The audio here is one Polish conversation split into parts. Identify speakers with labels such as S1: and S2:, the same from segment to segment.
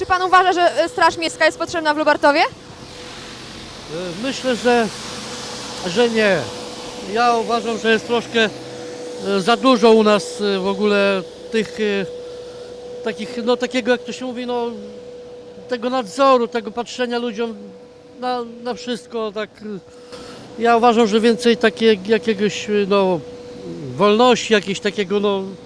S1: Czy pan uważa, że Straż Miejska jest potrzebna w Lubartowie?
S2: Myślę, że nie. Ja uważam, że jest troszkę za dużo u nas w ogóle tych takich, no takiego jak to się mówi, no tego nadzoru, tego patrzenia ludziom na wszystko, tak. Ja uważam, że więcej jakiegoś, no, wolności, jakiegoś takiego,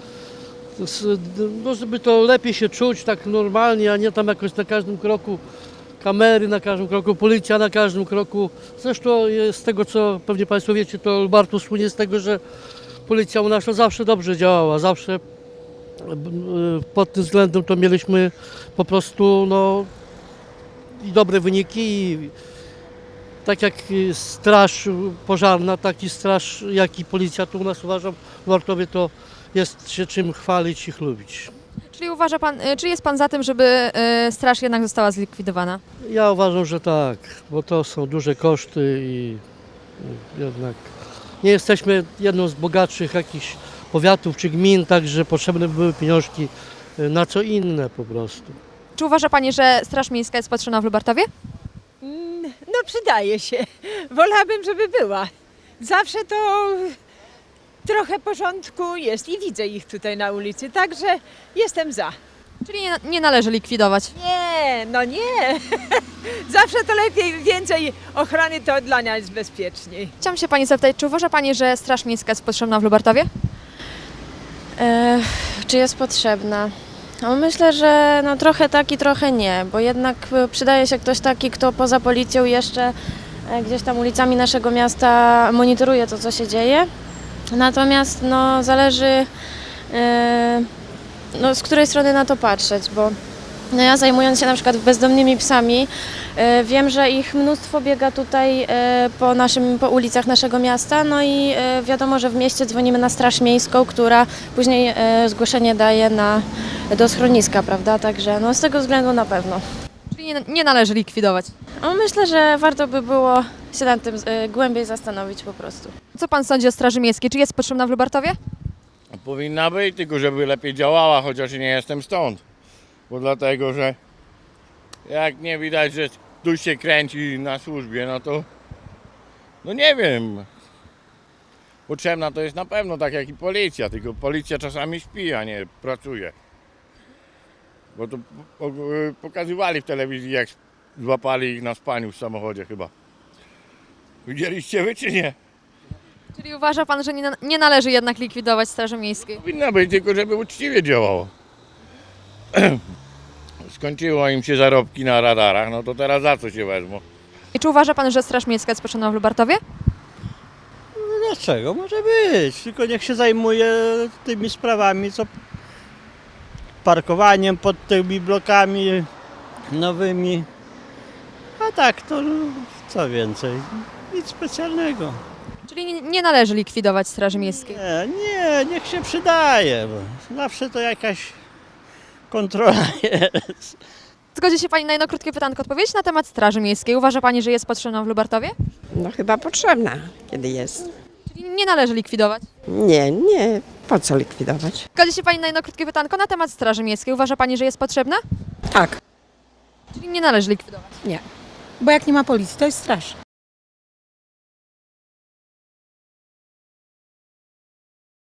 S2: no, żeby to lepiej się czuć tak normalnie, a nie tam jakoś na każdym kroku kamery, na każdym kroku policja, na każdym kroku. Zresztą z tego, co pewnie Państwo wiecie, to Lubartów słynie z tego, że policja u nas to zawsze dobrze działała, zawsze pod tym względem to mieliśmy po prostu, no, i dobre wyniki, i tak jak straż pożarna, tak i straż, jak i policja tu u nas, uważam, w Lubartowie to jest się czym chwalić i chlubić.
S1: Czyli uważa pan, czy jest pan za tym, żeby straż jednak została zlikwidowana?
S2: Ja uważam, że tak, bo to są duże koszty i jednak nie jesteśmy jedną z bogatszych jakichś powiatów czy gmin, także potrzebne były pieniążki na co inne po prostu.
S1: Czy uważa pani, że Straż Miejska jest potrzebna w Lubartowie?
S3: No przydaje się. Wolałabym, żeby była. Zawsze to trochę porządku jest i widzę ich tutaj na ulicy, także jestem za.
S1: Czyli nie należy likwidować.
S3: Nie, no nie. Zawsze to lepiej, więcej ochrony, to dla nas jest bezpieczniej.
S1: Chciałam się pani zapytać, czy uważa pani, że Straż Miejska jest potrzebna w Lubartowie?
S4: Czy jest potrzebna? No myślę, że no trochę tak i trochę nie, bo jednak przydaje się ktoś taki, kto poza policją jeszcze gdzieś tam ulicami naszego miasta monitoruje to, co się dzieje. Natomiast no, zależy no, z której strony na to patrzeć, bo no, ja zajmując się na przykład bezdomnymi psami, wiem, że ich mnóstwo biega tutaj po ulicach naszego miasta, no i wiadomo, że w mieście dzwonimy na Straż Miejską, która później zgłoszenie daje do schroniska, prawda? Także no, z tego względu na pewno.
S1: Czyli nie należy likwidować.
S4: No, myślę, że warto by było się nad tym głębiej zastanowić po prostu.
S1: Co pan sądzi o Straży Miejskiej? Czy jest potrzebna w Lubartowie?
S5: Powinna być, tylko żeby lepiej działała, chociaż nie jestem stąd. Bo dlatego, że jak nie widać, że tu się kręci na służbie, no to no nie wiem. Potrzebna to jest na pewno, tak jak i policja, tylko policja czasami śpi, a nie pracuje. Bo to pokazywali w telewizji, jak złapali ich na spaniu w samochodzie chyba. Widzieliście wy czy nie?
S1: Czyli uważa pan, że nie należy jednak likwidować Straży Miejskiej?
S5: Powinna być, tylko żeby uczciwie działało. Skończyło im się zarobki na radarach, no to teraz za co się wezmą?
S1: I czy uważa pan, że Straż Miejska jest potrzebna w Lubartowie?
S6: Dlaczego? Może być, tylko niech się zajmuje tymi sprawami, co parkowaniem pod tymi blokami nowymi. A tak, to co więcej, nic specjalnego.
S1: Czyli nie należy likwidować Straży Miejskiej.
S6: Nie, niech się przydaje, bo zawsze to jakaś kontrola jest.
S1: Zgodzi się pani na jedno krótkie pytanko odpowiedzieć na temat Straży Miejskiej. Uważa pani, że jest potrzebna w Lubartowie?
S7: No chyba potrzebna, kiedy jest.
S1: Czyli nie należy likwidować.
S7: Nie, po co likwidować?
S1: Zgodzi się pani na jedno krótkie pytanko na temat Straży Miejskiej. Uważa pani, że jest potrzebna?
S7: Tak.
S1: Czyli nie należy likwidować.
S8: Nie, bo jak nie ma policji, to jest straż.